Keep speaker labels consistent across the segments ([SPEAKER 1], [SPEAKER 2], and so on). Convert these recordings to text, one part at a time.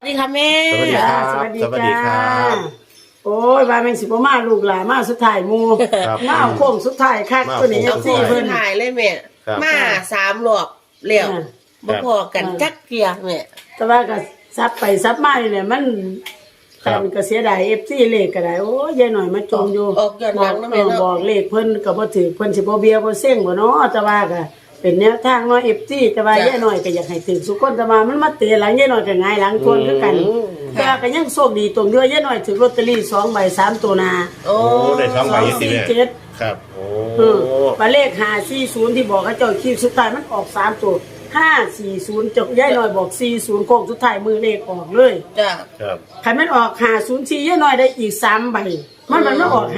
[SPEAKER 1] สวัสดีค่ะแม่
[SPEAKER 2] สวัสดีครับ
[SPEAKER 3] สวัสดี
[SPEAKER 2] สวัสดีครั
[SPEAKER 3] จ้า
[SPEAKER 2] บ
[SPEAKER 3] โอ้ยว่าเป็นสิบมาลูกหลานมาสุดท้ายหมู
[SPEAKER 2] ครับ
[SPEAKER 3] มาเอาโค้งสุดท้ายคัก
[SPEAKER 2] มาเอา
[SPEAKER 3] ตัวนี้
[SPEAKER 2] โค้
[SPEAKER 1] เอา
[SPEAKER 2] ง
[SPEAKER 1] คู่
[SPEAKER 3] เพิ่
[SPEAKER 1] เพิ่
[SPEAKER 3] น
[SPEAKER 1] นถ่ายเลยแม่
[SPEAKER 2] ครับ
[SPEAKER 1] มา3 รอบแล้วบ่พอกัน
[SPEAKER 3] ครับ
[SPEAKER 1] จักเกียแม่
[SPEAKER 3] แต่ว่าก็ซับไปซับมาเนี่ยมัน
[SPEAKER 2] ครับ
[SPEAKER 3] แต่ก็เสียดายFC เลขก็ได้โอ้ยยายหน่อยมาจมอยู่
[SPEAKER 1] ออกย้อนหลังนะแม่เนาะ
[SPEAKER 3] บอกเลขเพิ่นก็บ่ถือเพิ่นสิบ่เบียบ่เซ็งบ่เนาะแต่ว่าก็เป็นแนวทางเนาะ FC แต่ว่ายายหน่อยก็อยากให้ถึงสุคนแต่ว่ามันมาเตะหลังยายหน่อยก็หงายหลังทวนคือกันแต่ว่าก็ยังโชคดีตรงที่ว่ายายหน่อยถือลอตเตอรี่2ใบ3ตัวหน้า
[SPEAKER 1] โอ้
[SPEAKER 2] โอ้ได้2ใบสิแม่
[SPEAKER 3] 247
[SPEAKER 2] ครับโอ้
[SPEAKER 3] หมายเลข540ที่บอกเขาเจ้าคิวสุดท้ายมันออก3ตัว540จบยายหน่อยบอก40โค้งสุดท้ายมือเลขออกเลย
[SPEAKER 1] จ้ะ
[SPEAKER 2] ครับ
[SPEAKER 3] ใครมันออก504ยายหน่อยได้อีก3ใบมันไม่ออก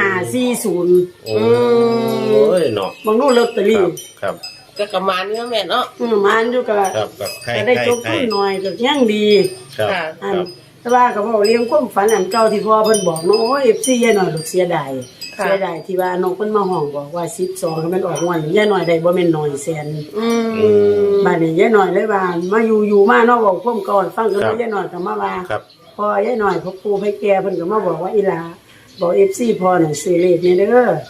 [SPEAKER 3] 540
[SPEAKER 2] โอ้ยเนาะ
[SPEAKER 3] บางนู่นลอตเตอ
[SPEAKER 2] ค
[SPEAKER 3] รี่
[SPEAKER 2] รับครับ
[SPEAKER 1] ก็ประมาณนี้แม่เนาะ
[SPEAKER 3] มันอยู่กับ
[SPEAKER 2] ครับครับให้
[SPEAKER 3] ก็ได้
[SPEAKER 2] ให้
[SPEAKER 3] จบ
[SPEAKER 2] ให้
[SPEAKER 3] ทุนหน่อยก็ยังดี
[SPEAKER 2] ครับ
[SPEAKER 1] ค่ะ
[SPEAKER 3] อัน
[SPEAKER 2] ครับ
[SPEAKER 3] แต่ว่าก็บอกเลี้ยงความฝันอันเก่าที่พ่อเพิ่นบอกเนาะโอ้ย FC ยายหน่อยลูกเสียดาย
[SPEAKER 1] ค่ะ
[SPEAKER 3] เสียดายที่ว่านกมันมาห้องบอกว่า12ให้มันออกวันยายหน่อยได้บ่แม่นน้อยแสน
[SPEAKER 1] อืม
[SPEAKER 3] บ้านนี้ยายหน่อยเลยว่ามาอยู่มาเนาะบอกพ่มก่อนฟังกัน
[SPEAKER 2] ครับ
[SPEAKER 3] ยายหน่อยก็มาว่า
[SPEAKER 2] ครับ
[SPEAKER 3] พอยายหน่อยพ่อปู่ให้แกเพิ่นก็มาบอกว่าอีหลาบอก FC พอหน่อยซื้อเลขนี่เด้อ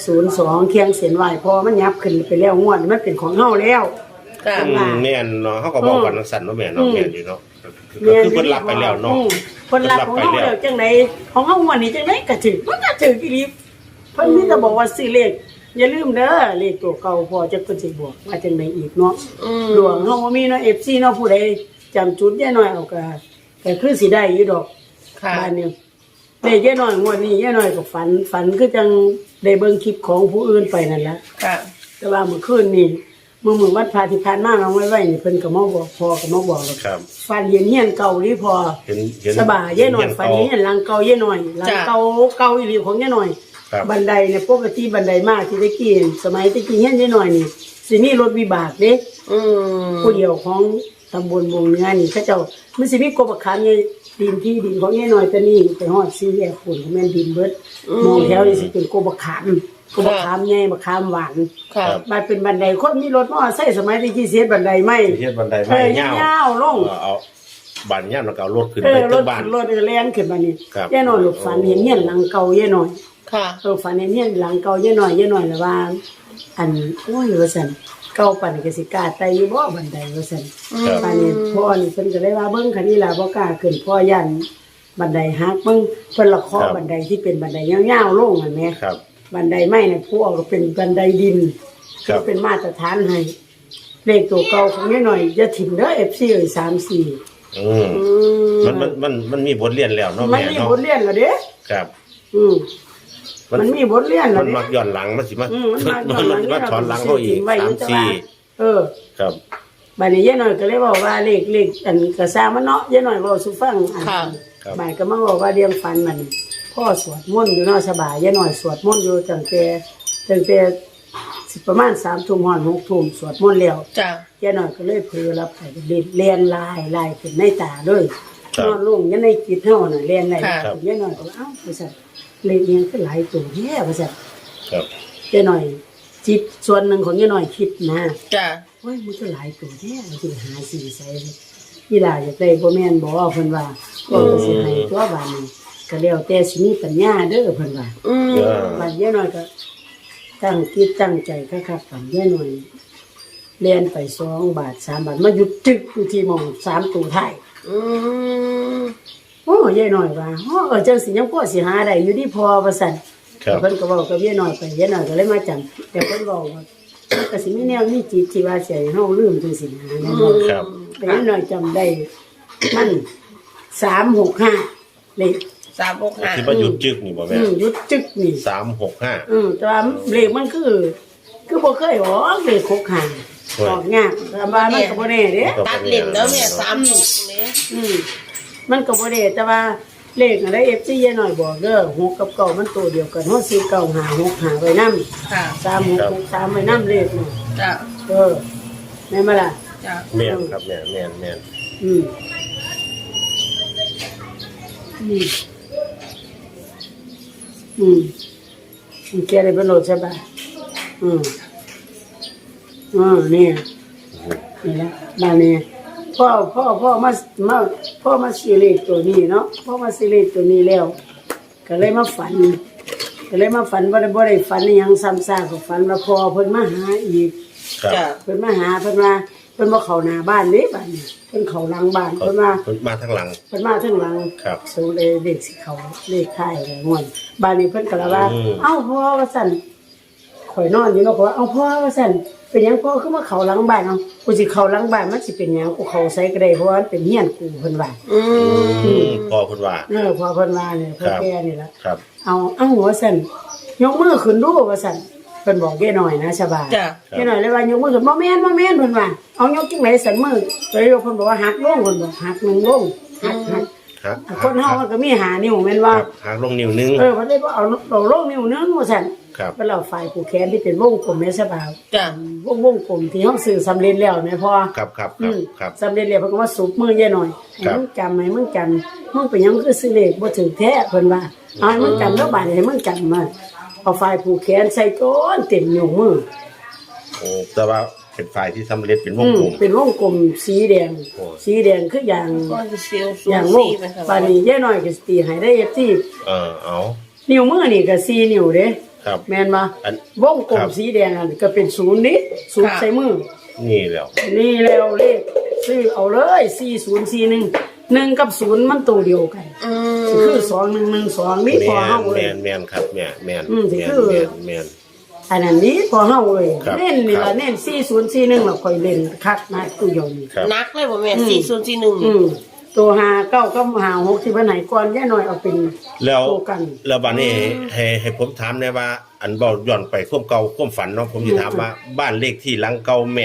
[SPEAKER 3] 02เคียงเสียนไหวพอมันยับขึ้นไปแล้วงวดมันเป็นของเฮาแล้ว
[SPEAKER 1] ค่ะ
[SPEAKER 2] แม่นเนาะเขาก็บอกกันสั่นเนาะแม่เนาะแม่นอยู่เนาะก็คือเพิ่นรับไปแล้วเนาะ
[SPEAKER 3] เพิ่นรับของเฮาแล้วจังไดของเฮางวดนี้จังไดก็ถึงมันก็ถึงอีหลีเพิ่นมีแต่บอกว่าซื้อเลขอย่าลืมเด้อเลขตัวเก่าพอจะเพิ่นสิบอกว่าจังไดอีกเนาะ หลวงเฮาบ่มีเนาะ FC เนาะผู้ใดจำจุดยายน้อยเอาก็คือสิได้อยู่ดอก
[SPEAKER 1] ค่ะ
[SPEAKER 3] บ้านนี้ได้ยายน้อยงวดนี้ยายน้อยก็ฝันคือจังได้เบิ่งคลิปของผู้อื่นไปนั่นล่ะ
[SPEAKER 1] ค่ะ
[SPEAKER 3] แต่ว่าเมื่อคืนนี่มื้อวัดพระที่ผ่านมาน้องไว้นี่เพิ่นก็มาบอกพ่อก็มาบอกแล้ว
[SPEAKER 2] ครับ
[SPEAKER 3] ฝันเห็นเฮียนเก่านี่พอ
[SPEAKER 2] เห็น
[SPEAKER 3] สบายยายน้อยฝันเห็นหลังเก่ายายน้อยหลังเก่าอีหลีของยายน้อย
[SPEAKER 2] ครับ
[SPEAKER 3] บันไดเนี่ยปกติบันไดมาที่ตะกี้สมัยตะกี้เฮียนยายน้อยนี่สิมีรถวิบากเด้
[SPEAKER 1] อืม
[SPEAKER 3] ผู้เดียวของตำบลวงเนื้อนี่เขาเจ้ามันสิมีกบขามใหญ่ดินที่ดินของแง่น้อยแต่นี่ไปฮอดซีแยกฝุ่นแม่นดินเบิดมองแถวนี่สิเป็นกบขามใหญ่บักขามหวาน
[SPEAKER 1] ค่ะ
[SPEAKER 3] มันเป็นบันไดคนมีรถมอไซค์สมัยที่กี่เสียบันไดไม่
[SPEAKER 2] เฮ็ดบันได
[SPEAKER 3] เอ
[SPEAKER 2] ไม้
[SPEAKER 3] อย
[SPEAKER 2] าว
[SPEAKER 3] าวลง
[SPEAKER 2] เอาบ้านยาวแล้วก็เอารถขึ้น
[SPEAKER 3] เอ
[SPEAKER 2] ไป
[SPEAKER 3] อร
[SPEAKER 2] ถึ
[SPEAKER 3] ถ
[SPEAKER 2] งบ้าน
[SPEAKER 3] รถแล่นขึ้นมานี่
[SPEAKER 2] ครับ
[SPEAKER 3] แย่น้อยลูกฝันเห็นเฮียนหลังเก่าแย่น้อย
[SPEAKER 1] ค่ะ
[SPEAKER 3] ฝันเห็นเฮียนหลังเก่าแย่น้อยแล้วว่า อันโอ้ยว่าซั่นเก่าปานนี้ก็สิกล้าไต่อยู่บ่บันไดว่าซั่น
[SPEAKER 2] ครับ
[SPEAKER 3] ปานนี้พ่อนี่เพิ่นก็เลยว่าเบิ่งคันนี้ล่ะบ่กล้าขึ้นพ่อย่านบันไดหักเบิ่งเพิ่นละเคาะบันไดที่เป็นบันไดยาวๆลงอ่ะแหม
[SPEAKER 2] ครับ
[SPEAKER 3] บันไดไม้น่ะผู้เอาก็เป็นบันไดดิน
[SPEAKER 2] ครับ
[SPEAKER 3] เป็นมาตรฐานให้เลขตัวเก่าของนิดหน่อยอย่าถิ่มเด้อ FC เอ้ย34
[SPEAKER 2] อืมมันมีบทเรียนแล้วเนาะ
[SPEAKER 3] มัน
[SPEAKER 2] แม่
[SPEAKER 3] มี
[SPEAKER 2] เนาะ
[SPEAKER 3] บทเรียนแล้วเด้
[SPEAKER 2] ครับ
[SPEAKER 3] มันมีบทเรียนแล้
[SPEAKER 2] มั
[SPEAKER 3] วน เด้
[SPEAKER 2] มักย้อนหลังมันสิมา
[SPEAKER 3] มันมา
[SPEAKER 2] ถอนหลังเขาอีก
[SPEAKER 3] ไว้อยู่แต่ว่า
[SPEAKER 2] 3-4
[SPEAKER 3] เออ
[SPEAKER 2] ครับ
[SPEAKER 3] บัดนี้ยายหน่อยก็เลยบอกว่าเลขอันก็สร้างมันเนาะยายหน่อยเว้าสู่ฟังอ่ะ
[SPEAKER 1] ค่ะ
[SPEAKER 3] บ่ายก็มาบอกว่าเรียงฟันมันพ่อสวดมนต์อยู่เนาะสบายยายหน่อยสวดมนต์อยู่ตั้งแต่สิประมาณ3 ทุ่มฮอด6 ทุ่มสวดมนต์แล้ว
[SPEAKER 1] จ้ะ
[SPEAKER 3] ยายหน่อยก็เลยเผลอรับไปเรียนลายขึ้นในตาเลย
[SPEAKER 2] ครับ
[SPEAKER 3] นอนลงยันในจิตเฮาน่ะเรียนได้
[SPEAKER 2] ครับ
[SPEAKER 3] ยายหน่อยก็ว่าเอ้าว่าซั่นเลขเรียงคือหลายตัวแท้ว่าซั่น
[SPEAKER 2] ครับ
[SPEAKER 3] ยายหน่อยจิตส่วนหนึ่งของยายหน่อยคิดนะ
[SPEAKER 1] จ้ะ
[SPEAKER 3] โอ้ยมันก็หลายตัวแท้สิหาสีใส่อีหลาอยากได้บ่แม่นบ่เพิ่นว่าก็สิให้ตัวบาดนี้ก็แล้วแต่สิมีปัญญาเด้อเพิ่นว่า
[SPEAKER 1] อืม
[SPEAKER 2] เออ
[SPEAKER 3] บาดยายหน่อยก็ตั้งจิตตั้งใจคักๆปันยายหน่อยเรียนไป2 บาท3 บาทมาหยุดจึกอยู่ที่หม่อง3ตัวท้าย
[SPEAKER 1] อืม
[SPEAKER 3] โอ้ยายหน่อยว่าจังสิยังพอสิหาได้อยู่ที่พอว่าซั่น
[SPEAKER 2] ครับ
[SPEAKER 3] เพิ่นก็เว้ากับยายหน่อยไปยายหน่อยก็เลยมาจำแต่เพิ่นเว้าว่าก็สิมีแนวมีจิตที่ว่าสิให้เฮาลืมจังซี่นะแม่นบ่
[SPEAKER 2] ครับ
[SPEAKER 3] แต่ยายหน่อยจำได้มัน365เลข
[SPEAKER 1] 365
[SPEAKER 2] ที่ว่าหยุดจึกนี่บ่แม่
[SPEAKER 3] หยุดจึกนี่
[SPEAKER 2] 365
[SPEAKER 3] แต่ว่าเลขมันคือบ่เคยออกเลข65ออกยากแต่ว่ามันก็บ่แน่เด้
[SPEAKER 1] ตัดเล่นแล้วแม่36นี่
[SPEAKER 3] มันก็บ่ได้แต่ว่าเลขอะไร FC ยายหน่อยบอกเด้อ6กับ9มันตัวเดียวกันเฮาสิ9 5 6 5ไว้นำ
[SPEAKER 1] ค่ะ
[SPEAKER 3] 3 6 6 3ไว้นำเลขน่ะ
[SPEAKER 1] จ้ะ
[SPEAKER 3] แม่นบ่ล่ะ
[SPEAKER 1] จ้ะ
[SPEAKER 2] แม่นครับแม่นแม่นแม่น
[SPEAKER 3] อืมมันแกได้เป็นโหลดใช่ป่ะนี่นี่แหละบ้านนี้พ่อมาพ่อมาซื้อเลขตัวนี้เนาะพ่อมาซื้อเลขตัวนี้แล้วก็เลยมาฝันบ่ได้ฝันอหยังซ้ำซากก็ฝันว่าพ่อเพิ่นมาหาอีก
[SPEAKER 2] ครับ
[SPEAKER 1] จ้ะ
[SPEAKER 3] เพิ่นมาหาเพิ่นว่าเพิ่นบ่เข้าหน้าบ้านเด้บ้านนี้เพิ่นเข้าหลังบ้านเพิ่นว่า
[SPEAKER 2] มาทางหลัง
[SPEAKER 3] เพิ่นมาทางหลัง
[SPEAKER 2] ครับ
[SPEAKER 3] สูเลขสิเขาเลขท้ายอะไรม่วนบ้านนี้เพิ่นก็ละว่า
[SPEAKER 2] อืม
[SPEAKER 3] เอ้าพ่อว่าซั่นข่อยนอนอยู่เนาะข่อยว่าเอ้าพ่อว่าซั่นเป็นหยังพ่อคือมาเข้าหลังบ้านเอ้ากูสิเข้าหลังบ้านมันสิเป็นหยังกูเข้าไสก็ได้เพราะว่ามันเป็นเฮียนกูเพิ่นว่า
[SPEAKER 2] พอคุณว่า
[SPEAKER 3] พ่อเพิ่นว่าเนี่ยเพิ่น
[SPEAKER 2] ครับ
[SPEAKER 3] แก่นี่ล่ะ
[SPEAKER 2] ครับ
[SPEAKER 3] เอาหัวสั่นยกมือขึ้นดูว่าสั่นเพิ่นบอกแกหน่อยนะชาวบ้าน
[SPEAKER 1] จ้ะ
[SPEAKER 3] แกหน่อยเลยว่ายกมือขึ้นบ่แม่นเพิ่นว่าเอายกจังได๋สั่นมือเลยเพิ่นบอกว่าหักลงเพิ่นบอกหักลงหัก
[SPEAKER 2] ครับ
[SPEAKER 3] คนเฮามันก็มีหานิ้วแม่นว่า
[SPEAKER 2] ครับหางลงนิ้วนึง
[SPEAKER 3] เพิ่นเลยบ่เอาลงนิ้วนึงว่าสั่น
[SPEAKER 2] ครับ
[SPEAKER 3] เพิ่นเอาฝ่ายผูกแขนที่เป็นวงกลมแม่ชาวบ้าน
[SPEAKER 1] จ้ะ
[SPEAKER 3] วงกลมที่เฮาซื้อสำเร็จแล้วแม่พ่อ
[SPEAKER 2] ครับครับค
[SPEAKER 3] อื
[SPEAKER 2] รับ
[SPEAKER 3] ม
[SPEAKER 2] ครับ
[SPEAKER 3] สำเร็จแล้วเพิ่นก็มาสูบมือแย่หน่อยให้
[SPEAKER 2] ครับ
[SPEAKER 3] มึงจำให้มึงจำมึงเป็นหยังคือสิเลขบ่ถึงแท้เพิ่นว่าเอาให้มึงจำแล้วบาดให้มึงจำมาเอาฝ่ายผูกแขนใส่ก้อนเต็มนิ้วมือ
[SPEAKER 2] โอ้แต่ว่าเป็นฝ่ายที่สำเร็จเป็นวงกลม
[SPEAKER 3] เป็นวงกลมสีแดง
[SPEAKER 2] โอ้
[SPEAKER 3] สีแดงคืออย่าง
[SPEAKER 1] ก็จะเซียวสู
[SPEAKER 3] อย่าง
[SPEAKER 1] ง
[SPEAKER 3] วง
[SPEAKER 1] สี่เป็นค่ะ
[SPEAKER 3] บาดนี้แย่หน่อยก็สิตีให้ได้ที่
[SPEAKER 2] เอา
[SPEAKER 3] นิ้วมือนี่ก็4นิ้วเด้
[SPEAKER 2] ครับ
[SPEAKER 3] แม่นบ่
[SPEAKER 2] อัน
[SPEAKER 3] วงกล
[SPEAKER 2] ครั
[SPEAKER 3] ม
[SPEAKER 2] บ
[SPEAKER 3] สีแดงอันก็เป็น0นี่0ใส่มือ
[SPEAKER 2] นี่แล้ว
[SPEAKER 3] นี่แล้วเลขซื้อเอาเลย4041 1กับ0มันตัวเดียวกัน คือ2112นี่พอเฮาเล
[SPEAKER 2] แม
[SPEAKER 3] ย
[SPEAKER 2] นแมนครับแมนแมน
[SPEAKER 3] สิ
[SPEAKER 2] แมน
[SPEAKER 3] คือ
[SPEAKER 2] แมนแมน
[SPEAKER 3] อันนั้นนี้พอเฮาเลย
[SPEAKER 2] ครับ
[SPEAKER 3] เน้นนี่
[SPEAKER 2] ครั
[SPEAKER 3] ล่ะ
[SPEAKER 2] บ
[SPEAKER 3] เน้น4041แล้วค่อยเล่นคักนะตู้ยง
[SPEAKER 2] ครับ
[SPEAKER 1] นักเลยบ่แม่4041
[SPEAKER 3] ตัว59กับ56ที่เพิ่นให้ก่อนย่าน้อยเอาเป็น
[SPEAKER 2] แล้ว
[SPEAKER 3] ตัวกัน
[SPEAKER 2] แล้วบัดนี้ให้ผมถามได้ว่า อันเบาย้อนไปความเก่าความฝันเนาะผมสิถามว่าบ้านเลขที่หลังเก่าแม่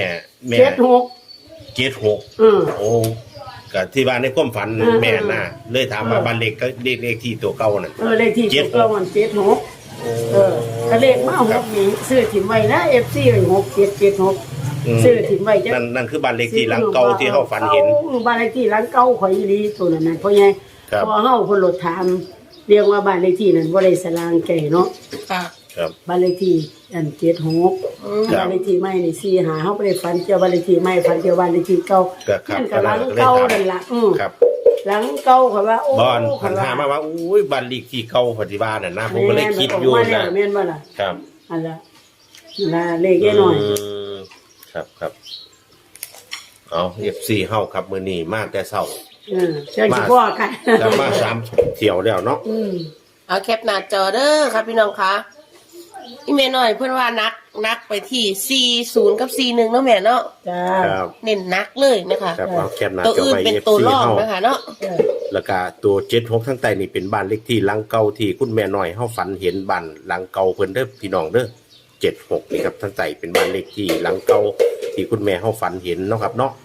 [SPEAKER 3] 76
[SPEAKER 2] เจ็ดหก
[SPEAKER 3] อือ
[SPEAKER 2] โอ้ก็ที่บ้านในความฝัน
[SPEAKER 3] อืม
[SPEAKER 2] แม่น่ะเลยถามว่าบ้านเลขก็เลขที่ตัวเก่านั่น
[SPEAKER 3] เลขที่
[SPEAKER 2] 76
[SPEAKER 3] ตัวมัน76ก็เลขมา6นี่ซื้อถิ่มไว้นะ FC 6776ซื้อถิ่มไว้จัก
[SPEAKER 2] นั่นคือบ้านเลขที่หลังเก่าที่เฮาฝันเห็น
[SPEAKER 3] บ้านเลขที่หลังเก่าข่อยอีหลีตัวนั้นน่ะเพราะไง
[SPEAKER 2] ครับ
[SPEAKER 3] พอเฮาเพิ่นรถถามเรียกว่าบ้านเลขที่นั้นบ่ได้สลางแก่เนาะ
[SPEAKER 1] ค่ะ
[SPEAKER 2] ครับ
[SPEAKER 3] บ้านเลขที่อัน76
[SPEAKER 2] ครับ
[SPEAKER 3] บ้านเลขที่ใหม่นี่4หาเฮาบ่ได้ฝันเกี่ยวบ้านเลขที่ใหม่ฝันเกี่ยวบ้านเลขที่เก่า
[SPEAKER 2] ครับ
[SPEAKER 3] นั่นก็หลังเก่านั่นล่ะ
[SPEAKER 2] ครับ
[SPEAKER 3] หลังเก่าเขาว่าโอ้
[SPEAKER 2] บอนหันหามาว่าอุ้ยบ้านเลขที่เก่าปฏิบัติน่ะนะผมก็เลยคิดอยู่
[SPEAKER 3] นะ
[SPEAKER 2] นะ
[SPEAKER 3] แม่นบ่ล่ะ
[SPEAKER 2] ครับ
[SPEAKER 3] อันละนั่นล่ะเลขแค่น้อย
[SPEAKER 2] มครับครับเอา FC เฮาครับมื้อนี้มาแต่เช้า
[SPEAKER 3] เชิญสิพ่อกัน
[SPEAKER 2] แล้วมา3เที่ยวแล้วเนาะ
[SPEAKER 1] เอาแคปหน้าจอเด้อครับพี่น้องคะอีเมลหน่อยเพื่อนว่านักไปที่40กับ41เนาะแม่เนาะ
[SPEAKER 3] จ้า
[SPEAKER 2] ครับ
[SPEAKER 1] เน้นนักเลยนะคะ
[SPEAKER 2] ครับเอาแคปหน้า
[SPEAKER 1] ตัว
[SPEAKER 2] จอ
[SPEAKER 1] อื่น
[SPEAKER 2] ไว้
[SPEAKER 1] เป็น
[SPEAKER 2] FC
[SPEAKER 1] ตัวรอง
[SPEAKER 2] เฮา
[SPEAKER 1] นะคะเนาะ
[SPEAKER 2] แล้วก็ตัว76ทั้งใต้นี่เป็นบ้านเลขที่หลังเก่าที่คุณแม่น้อยเฮาฝันเห็นบ้านหลังเก่าเพิ่นเด้อพี่น้องเด้อ76นี่ครับทั้งใต้เป็นบ้านเลขที่หลังเก่าที่คุณแม่เฮาฝันเห็นเนาะครับเนาะ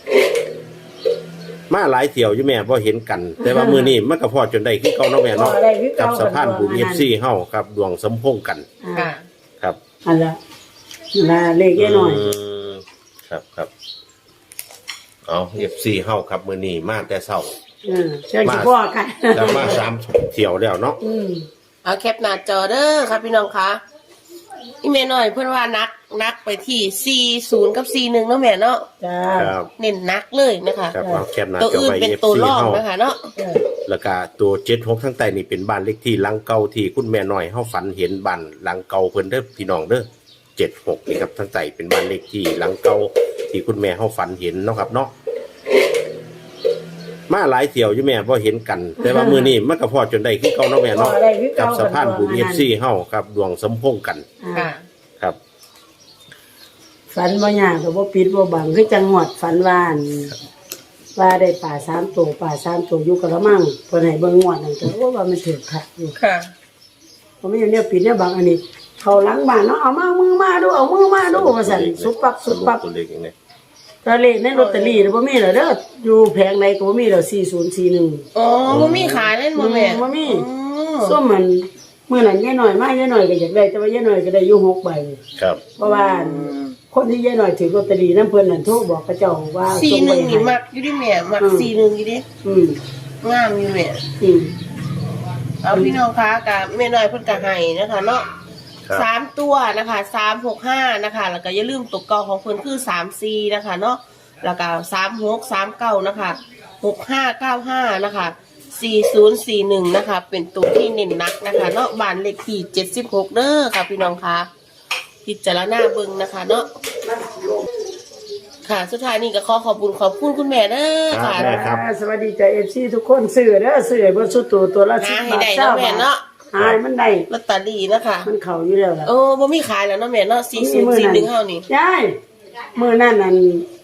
[SPEAKER 2] มาหลายเที่ยวอยู่แม่บ่เห็นกัน แต่ว่ามื้อนี้มันก็พอจนได้คือเก่าเนาะแม่เนาะ
[SPEAKER 3] พอได้คือเก่า
[SPEAKER 2] กับสะพานบุญ FC เฮาครับดวงสมพงษ์กัน
[SPEAKER 1] ค่ะ
[SPEAKER 2] ครับ
[SPEAKER 3] อันละนั่นล่ะเลขแค่น้อย
[SPEAKER 2] มครับครับเอา FC เฮาครับมื้อนี้มาแต่เช้า
[SPEAKER 3] เชิญสิพ่อกัน
[SPEAKER 2] แล้วมา3เที่ยวแล้วเนาะ
[SPEAKER 1] เอาแคปหน้าจอเด้อครับพี่น้องคะอีเมลหน่อยเพื่อนว่านักไปที่40กับ41เนาะแม่เนาะ
[SPEAKER 3] จ้า
[SPEAKER 2] ครับ
[SPEAKER 1] เน้นนักเลยนะคะ
[SPEAKER 2] ครับเอาแคปหน้า
[SPEAKER 1] ตัว
[SPEAKER 2] จอ
[SPEAKER 1] อื่น
[SPEAKER 2] ไว้
[SPEAKER 1] เป็น
[SPEAKER 2] FC
[SPEAKER 1] ตัวรอง
[SPEAKER 2] เฮา
[SPEAKER 1] นะคะเนาะ
[SPEAKER 2] แล้วก็ตัว76ทั้งใต้นี่เป็นบ้านเลขที่หลังเก่าที่คุณแม่น้อยเฮาฝันเห็นบ้านหลังเก่าเพิ่นเด้อพี่น้องเด้อ76นี่ครับทั้งใต้เป็นบ้านเลขที่หลังเก่าที่คุณแม่เฮาฝันเห็นเนาะครับเนาะมาหลายเที่ยวอยู่แม่บ่เห็นกัน แต่ว่ามื้อนี้มันก็พอจนได้คือเก่าเนาะแม่เนาะ
[SPEAKER 3] พอได้คือเก่า
[SPEAKER 2] กับสะพานบุญ FC เฮาครับดวงสมพงษ์กัน
[SPEAKER 1] ค่ะ
[SPEAKER 2] ครับ
[SPEAKER 3] ฝันบ่ยากก็บ่ปิดบ่บังคือจังหวัดฝันว่าได้ป่า3ตัวป่า3ตัวอยู่กระมังเพิ่นให้เบิ่งงวดนั่นก็ว่ามันถูกคักอยู่
[SPEAKER 1] ค่ะ
[SPEAKER 3] ผมไม่อยู่เนี่ยปิดเนี่ยบางอันนี้เขาหลังบ้านเนาะเอามือมาดูว่าสั่นสุบปับ
[SPEAKER 2] ตัวเลขอย่างนี้
[SPEAKER 3] ตะเลขในลอตเตอรี่บ่มีเหรอเด้ออยู่แผงใดก็บ่มีเหรอ4041
[SPEAKER 1] อ๋อบ่มีขายเล่นบ่แม่
[SPEAKER 3] บ่มี
[SPEAKER 1] อ๋อ
[SPEAKER 3] ส้มมันมื้อนั้นยายน้อยมายายน้อยก็อยากได้แต่ว่ายายน้อยก็ได้อยู่6ใบ
[SPEAKER 2] ครับ
[SPEAKER 3] เพราะว่าคนที่ยายน้อยถือลอตเตอรี่นำเพิ่นนั่นโทรบอกเขาเจ้าว่าส่งไป
[SPEAKER 1] 41
[SPEAKER 3] ให้
[SPEAKER 1] นี่มักอยู่ดิแม่มัก41อยู่ดิ
[SPEAKER 3] อืม
[SPEAKER 1] งามอยู่แม่
[SPEAKER 3] อืม
[SPEAKER 1] เอาพี่น้องคะกับแม่น้อยเพิ่นก็ให้นะคะเนาะ
[SPEAKER 2] ครับ
[SPEAKER 1] 3ตัวนะคะ365นะคะแล้วก็อย่าลืมตัวเก่าของเพิ่นคือ34นะคะเนาะแล้วก็36 39นะคะ 6595นะคะ4041นะคะเป็นตัวที่เน้นนักนะคะเนาะบ้านเลขที่76เด้อค่ะพี่น้องคะพิจารณาเบิ่งนะคะเนาะค่ะสุดท้ายนี้ก็ขอบคุณคุณแม่เด้อค่ะ
[SPEAKER 2] ครับ
[SPEAKER 3] สวัสดีจ้ะ FC ทุกคนซื้อเด้อซื้อให้เบิ่สุดตัวละ10
[SPEAKER 1] หาให้
[SPEAKER 3] บาท
[SPEAKER 1] ได้
[SPEAKER 3] เช้า
[SPEAKER 1] เนาะแม่เนาะ
[SPEAKER 3] หายมันได้
[SPEAKER 1] ลอตเตอรี่นะคะ
[SPEAKER 3] มันเข้าอยู่แล้วล่ะ
[SPEAKER 1] โอ้บ่มีขายแล้วเนาะแม่เนาะ4041เฮานี่
[SPEAKER 3] ยายมื้อนั้นนั่น